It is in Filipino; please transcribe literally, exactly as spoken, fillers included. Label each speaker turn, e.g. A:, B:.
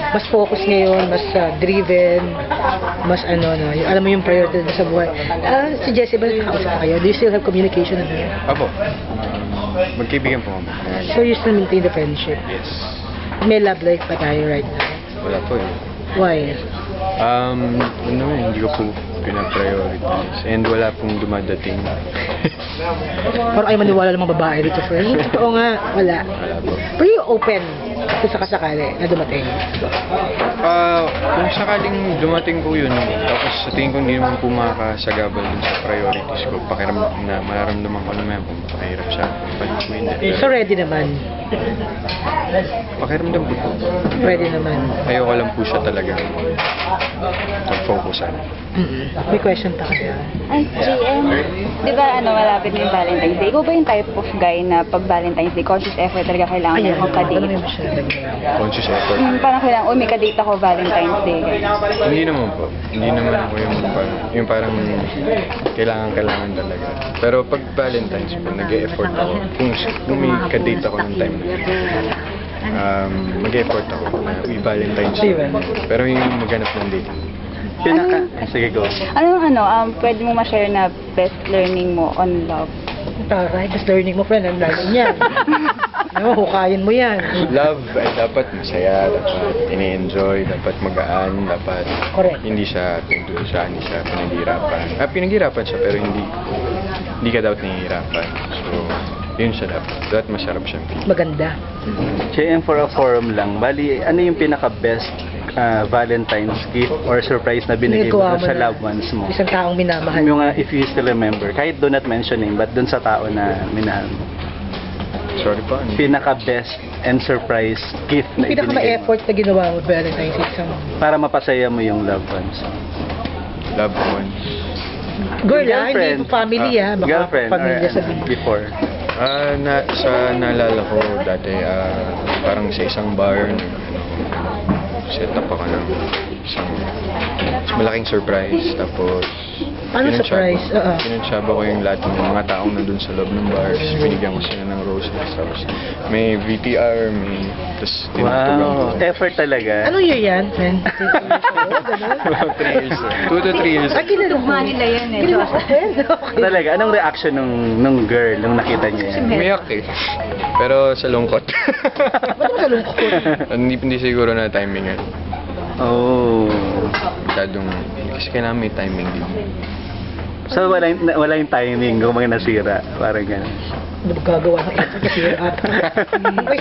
A: mas focus ngayon, mas ah, driven, mas ano, no, yung, alam mo yung priority na sa buhay. Ah, si Jessie ba, nakausap pa kayo? Do you still have communication with her?
B: Apo, magkaibigan po kami.
A: So you still maintain the friendship?
B: Yes.
A: May love life pa tayo right now?
B: Wala po eh.
A: Why?
B: Um, ano eh, hindi ko po pinaprioritize. And wala pong dumadating.
A: Parang ay maniwala ng mga babae dito, friend. Oo nga, wala.
B: Wala po.
A: Pero you open kung sakasakali na dumating.
B: Ah, kung sakaling dumating po yun, tapos sa tingin ko hindi naman po makakasagabal dun sa priorities ko, pakiram na mararamdaman ko naman kung pakahirap siya, palit mo yun.
A: So ready naman.
B: Pakiramdam po po.
A: Ready naman.
B: Ayoko lang po siya talaga mag-focusan.
A: Mm-mm. May question pa kaya?
C: Ay, G M, di ba ano, malapit na yung Valentine's Day? Ikaw ba yung type of guy na pag Valentine's Day, conscious effort talaga kailangan
A: Ayan,
C: mo
A: ano
C: ka-date?
A: yung masyadong
B: Conscious effort.
C: Hmm, parang kailangan, uy, may ka-date ako Valentine's Day. ganun.
B: Hindi naman po. Hindi naman ako yung parang, yung parang kailangan-kailangan talaga. Pero pag Valentine's po, nag-e-effort ako. Kung, kung may ka-date ako ng time na yun, um, mag-e-effort ako na may Valentine's Day. Pero yung maghanap ng date.
D: Pinaka... Sige, go.
C: Anong ano, um, pwede mo ma-share na best learning mo on love?
A: Taray, just learning mo, friend. Ang lalo niyan. Ano, hukayin mo yan.
B: Love ay dapat masaya, dapat ini-enjoy, dapat magaan, dapat
A: Correct.
B: hindi siya tungkol siya, hindi siya pinaghirapan. Ah, pinaghirapan siya pero hindi hindi ka dapat nahihirapan. So, yun siya dapat. Dapat masarap siyang feel.
A: Maganda.
D: J M, for a forum lang, bali, ano yung pinaka-best ah, Valentine's gift or surprise na binigay mo
A: Ginagawa mo
D: sa
A: na.
D: loved ones mo?
A: Isang taong minamahal.
D: Yung, ah, if you still remember, kahit do not mentioning, but dun sa tao na minahal mo.
B: Sorry pa. ano?
D: Pinaka-best and surprise gift na
A: Yung
D: ibinigay mo
A: pinaka-effort na ginawa mo Valentine's Day isang
D: para mapasaya mo yung loved ones.
B: Loved ones.
A: girl ah, hindi
D: Girlfriend.
A: po family ah, baka
D: Girlfriend
A: pamilya
D: or,
A: sa
D: ano, before.
B: Ah, na, sa naalala ko dati, ah, parang sa isang bar, nag, ano, set up ako ng isang malaking surprise. Tapos,
A: Ano
B: pinansyaba-
A: surprise? Oo.
B: pinansyaba ko yung lahat ng mga taong nandun sa loob ng bar. Tapos binigyan ko sila ng roses. Tapos may V T R, may... Tapos tinatugan ko.
D: Wow, effort talaga.
A: Ano year yan, friend?
B: About three years. Two to three years.
A: Ah, kinalo mo.
C: nila yun eh.
A: Kinalo ko, friend. Okay.
D: Talaga, anong reaction nung, nung girl nung nakita niya yan?
B: Umiyak eh. Pero sa lungkot.
A: Ba't mo kalungkot?
B: hindi, hindi siguro na timing eh.
D: Oh.
B: Masyadong... Kasi kailangan may timing din.
D: So wala, yung- wala yung timing kung mga nasira. Parang gano'n.
A: Ano ba gagawa ng effort kasi ata?